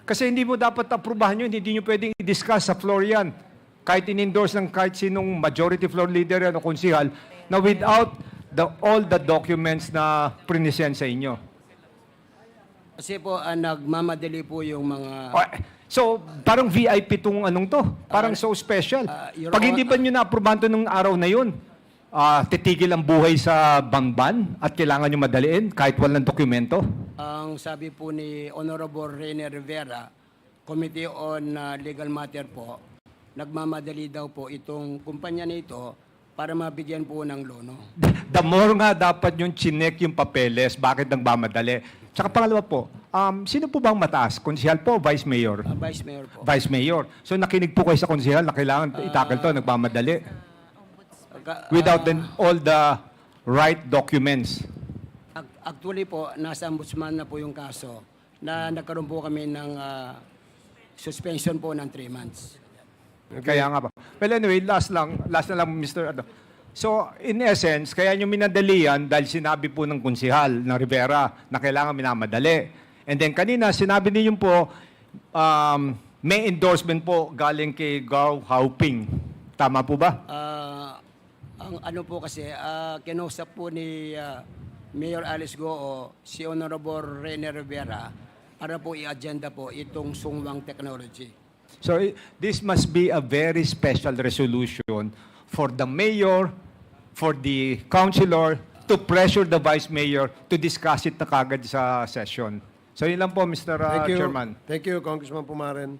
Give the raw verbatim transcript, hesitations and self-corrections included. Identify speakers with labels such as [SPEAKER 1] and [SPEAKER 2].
[SPEAKER 1] Kasi hindi mo dapat aprubahan yun, hindi nyo pwedeng i-discuss sa floor yan. Kahit in-endorse ng kahit sinong majority floor leader yan o konsihal, na without the, all the documents na prinisend sa inyo.
[SPEAKER 2] Kasi po, ah, nagmamadali po yung mga...
[SPEAKER 1] Oh, so, parang V I P tong anong to. Parang so special.
[SPEAKER 2] uh, Your
[SPEAKER 1] Pag hindi
[SPEAKER 2] Honor-
[SPEAKER 1] ba nyo na-aprubahan to nung araw na yun, ah, titigil ang buhay sa bangban at kailangan nyo madaliin kahit walang dokumento?
[SPEAKER 2] Ang sabi po ni Honorable Rene Rivera, Committee on uh, Legal Matter po, nagmamadali daw po itong kumpanya nito para mabigyan po ng lono.
[SPEAKER 1] The more nga dapat yung chinek yung papeles, bakit nagmamadali? Tsaka pangalawa po, um, sino po bang mataas? Konsihal po o Vice Mayor?
[SPEAKER 2] Uh, Vice Mayor po.
[SPEAKER 1] Vice Mayor. So nakinig po kayo sa konsihal na kailangan itakal to, nagmamadali.
[SPEAKER 2] Ka-
[SPEAKER 1] Without the, all the right documents.
[SPEAKER 2] Ac- Actually po, nasa ombudsman na po yung kaso na nagkaroon po kami ng ah, suspension po ng three months.
[SPEAKER 1] Kaya nga pa. Well, anyway, last lang, last na lang, Mister Ano. So, in essence, kaya nyo minadali yan dahil sinabi po ng konsihal ng Rivera na kailangan minamadali. And then kanina, sinabi niyo po, um, may endorsement po galing kay Gao Hauping. Tama po ba?
[SPEAKER 2] Ah, ang ano po kasi, uh, kinausap po ni ah, Mayor Alice Goo si Honorable Rene Rivera para po i-agenda po itong sungwang technology.
[SPEAKER 1] So, i- this must be a very special resolution for the mayor, for the councilor, to pressure the vice mayor to discuss it na kagad sa session. So, yun lang po, Mister uh,
[SPEAKER 3] Thank you.
[SPEAKER 1] Chairman.
[SPEAKER 3] Thank you, Congressman Pumaren.